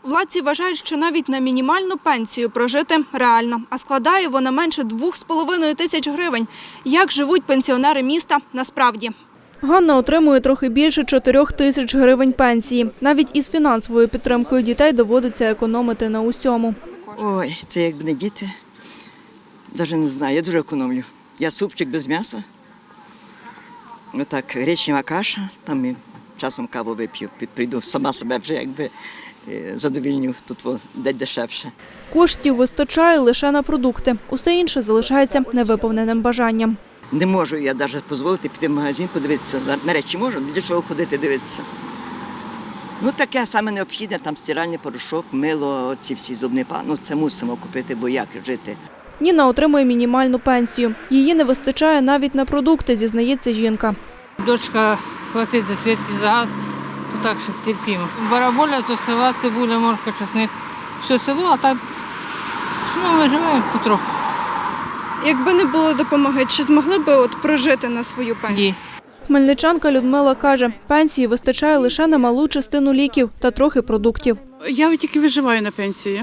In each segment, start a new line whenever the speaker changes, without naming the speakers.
Владці вважають, що навіть на мінімальну пенсію прожити реально, а складає вона менше 2,5 тисяч гривень. Як живуть пенсіонери міста насправді? Ганна отримує трохи більше 4 тисяч гривень пенсії. Навіть із фінансовою підтримкою дітей доводиться економити на усьому.
Ой, це якби не діти. Навіть не знаю, я дуже економлю. Я супчик без м'яса. Отак, гречнева каша, там і часом каву вип'ю, прийду, сама себе вже якби задовільню, тут дешевше.
Коштів вистачає лише на продукти. Усе інше залишається невиповненим бажанням.
Не можу я навіть дозволити піти в магазин, подивитися. На речі можу, для чого ходити дивитися. Ну таке саме необхідне, там стиральний порошок, мило, ці всі зубні пасти. Ну це мусимо купити, бо як жити.
Ніна отримує мінімальну пенсію. Її не вистачає навіть на продукти, зізнається жінка.
Дочка платить за світ і за газ, то так що терпімо. Бараболя, то села, цибуля, морква, часник. Все село, а так ми виживаємо потроху.
Якби не було допомоги, чи змогли б прожити на свою пенсію?
Ні.
Хмельничанка Людмила каже, пенсії вистачає лише на малу частину ліків та трохи продуктів.
Я тільки виживаю на пенсії,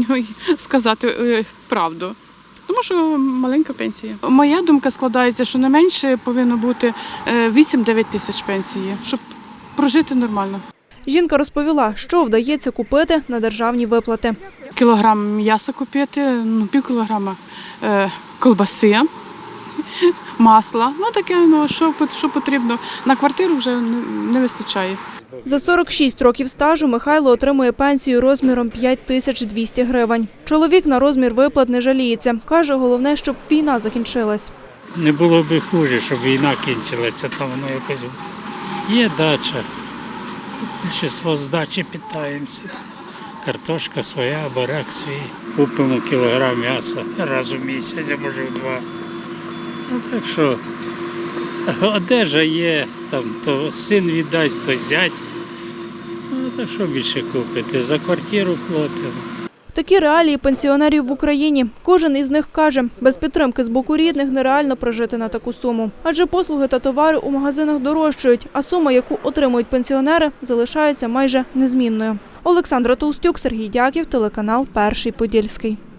сказати правду. Тому що маленька пенсія. Моя думка складається, що не менше повинно бути 8-9 тисяч пенсії, щоб прожити нормально.
Жінка розповіла, що вдається купити на державні виплати.
Кілограм м'яса купити, пів кілограма колбаси, масла. Таке, що потрібно. На квартиру вже не вистачає.
За 46 років стажу Михайло отримує пенсію розміром 5200 гривень. Чоловік на розмір виплат не жаліється. Каже, головне, щоб війна закінчилась.
Не було б хуже, щоб війна кінчилася, там воно якось є дача. Більшість з дачі питаємося. Картошка своя, буряк свій. Купимо кілограм м'яса раз у місяць, а може в 2. Так що одежа є, там, то син віддасть, то зять. Так що більше купити? За квартиру платимо.
Такі реалії пенсіонерів в Україні. Кожен із них каже, без підтримки з боку рідних нереально прожити на таку суму. Адже послуги та товари у магазинах дорожчають, а сума, яку отримують пенсіонери, залишається майже незмінною. Олександра Толстюк, Сергій Дяків, телеканал «Перший Подільський».